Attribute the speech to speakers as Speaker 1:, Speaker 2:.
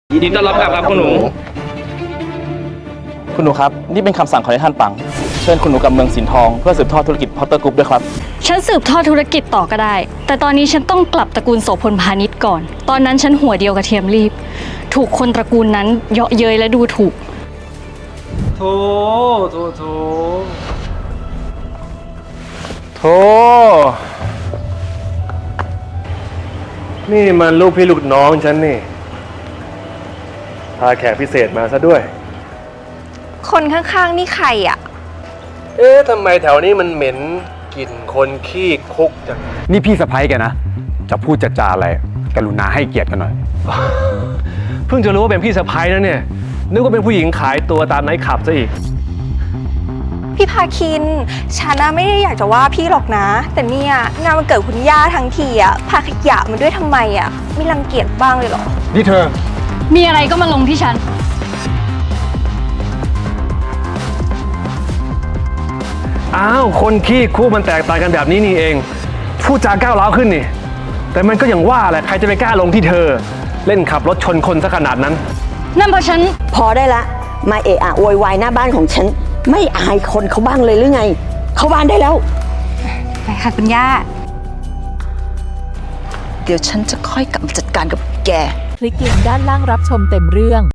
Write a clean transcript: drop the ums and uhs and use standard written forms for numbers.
Speaker 1: ยินดีต้อนรับกลับครับคุณหนู
Speaker 2: คุณหนูครับนี่เป็นคำสั่งของท่านปังเชิญคุณหนูกับเมืองสินทองเพื่อสืบทอดธุรกิจพอตเตอร์กรุ๊ปด้วยครับ
Speaker 3: ฉันสืบทอดธุรกิจต่อก็ได้แต่ตอนนี้ฉันต้องกลับตระกูลโสพลพาณิชย์ก่อนตอนนั้นฉันหัวเดียวกับเทียมรีบถูกคนตระกูลนั้นเยาะเย้ยและดูถูก
Speaker 1: โถ
Speaker 4: นี่มันลูกพี่ลูกน้องฉันนี่พาแขกพิเศษมาซะด้วย
Speaker 5: คนข้างๆนี่ใครอ่ะ
Speaker 4: ทำไมแถวนี้มันเหม็นกลิ่นคนขี้คุกจัง
Speaker 6: นี่พี่สะใภ้แกนะจะพูดจะจาอะไรกรุณาให้เกียรติกันหน่อย
Speaker 4: เพิ่งจะรู้ว่าเป็นพี่สะใภ้นะเนี่ยนึกว่าเป็นผู้หญิงขายตัวตามไนท์คลับซะอีก
Speaker 5: พี่พาคินฉันน่ะไม่ได้อยากจะว่าพี่หรอกนะ แต่เนี่ยงานวันเกิดคุณย่าทั้งทีอ่ะพาขยะมาด้วยทำไมอ่ะไม่รังเกียจบ้างเลยเหรอ
Speaker 6: นี่เธอ
Speaker 3: มีอะไรก็มาลงที่ฉัน
Speaker 4: อ้าวคนขี้คุกมันแตกต่างกันแบบนี้นี่เองพูดจาก้าวร้าวขึ้นนี่แต่มันก็อย่างว่าแหละใครจะไปกล้าลงที่เธอเล่นขับรถชนคนซะขนาดนั้น
Speaker 3: นั่นเพราะฉัน
Speaker 7: พอได้ละมาเอะอะโวยวายหน้าบ้านของฉันไม่อายคนเขาบ้างเลยหรือไงเข้าบ้านได้แล้ว
Speaker 5: ไปค่ะคุณย่า
Speaker 7: เดี๋ยวฉันจะค่อยกลับมาจัดการกับแก
Speaker 8: คลิกลิงก์ด้านล่างรับชมเต็มเรื่อง